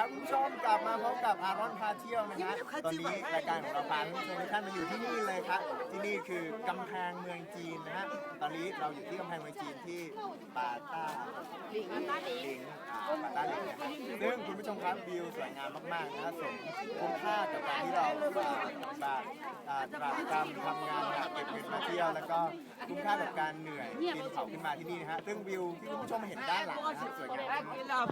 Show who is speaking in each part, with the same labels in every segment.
Speaker 1: ครับคุณผู้ชมกลับมาพบกับอารอนพาเที่ยวนะฮะตอนนี้รายการของเราพาทุกท่านมาอยู่ที่นี่เลยครับที่นี่คือกำแพงเมืองจีนนะฮะตอนนี้เราอยู่ที่กำแพงเมืองจีนที่ปาต้าหลิงปาต้าหลิงเนี่ยซึ่งคุณผู้ชมครับวิวสวยงามมากๆนะสมคุ้มค่ากับการที่เราตรากตรำทำงานแบบเก็บเงินมาเที่ยวแล้วก็คุ้มค่ากับการเหนื่อยปีนเขาขึ้นมาที่นี่นะฮะซึ่งวิวที่คุณผู้ชมเห็นด้านหลังนะสวยงามมาก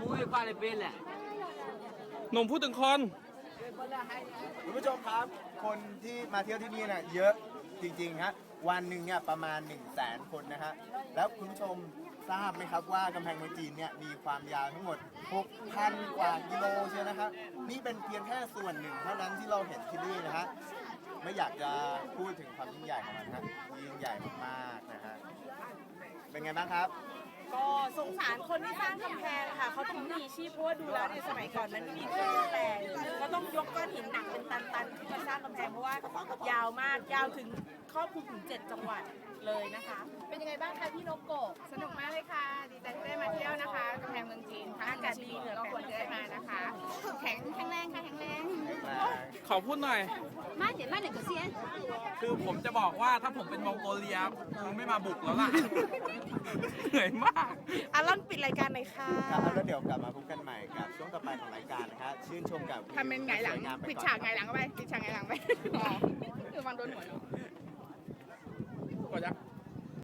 Speaker 2: หนุ่มพูดถึงคน
Speaker 1: คุณผู้ชมครับคนที่มาเที่ยวที่นี่เนี่ยเยอะจริงๆฮะวันหนึ่งเนี่ยประมาณ 100,000 คนนะฮะแล้วคุณผู้ชมทราบไหมครับว่ากำแพงเมืองจีนเนี่ยมีความยาวทั้งหมด 6,000 กว่ากิโลเชียวนะครับนี่เป็นเพียงแค่ส่วนหนึ่งเท่านั้นที่เราเห็นที่นี่นะฮะไม่อยากจะพูดถึงความยิ่งใหญ่ของมันนะยิ่งใหญ่มากๆนะฮะเป็นไงบ้างครับ
Speaker 3: ก็สงสารคนที่สร้างกำแพงค่ะเขาต้องมีชีพเพราะว่าดูแล้วในสมัยก่อนมันไม่มีเครื่องแปลงก็ต้องยกก้อนหินหนักเป็นตันๆขึ้นมาสร้างกำแพงเพราะว่ายาวมากยาวถึงครอบคลุมถึง7 จังหวัดเลยนะคะ
Speaker 4: เป็นยังไงบ้างคะพี่นกโกะ
Speaker 5: สนุกมากเลยค่ะ ดีใจที่ได้มาเที่ยวนะคะกำแพงเมืองจีนทั้งอากาศดีเหนือก็ควรจะได้มานะคะ แข็งแรงค่ะแข็งแรง
Speaker 2: ขอพูดหน่อย
Speaker 4: 慢点个先。
Speaker 2: คือผมจะบอกว่าถ้าผมเป็นมองโกเลียคงไม่มาบุกแล้วล่ะ เหนื่อยมาก
Speaker 3: อารอนปิดรายการหน่อยค่ะ
Speaker 1: ครับแล้วเดี๋ยวกลับมาพบกันใหม่กับช่วงต่อไปของรายการนะครับชื่นชมกับ
Speaker 5: ทำเป็นไงหลัง
Speaker 1: สวยามไป
Speaker 5: ปิด
Speaker 1: ก่อน
Speaker 5: ฉากไงหลังเข้าไปปิดฉากไงหลังไปอ๋อคือวางโดนหัวหนู
Speaker 2: กดยัก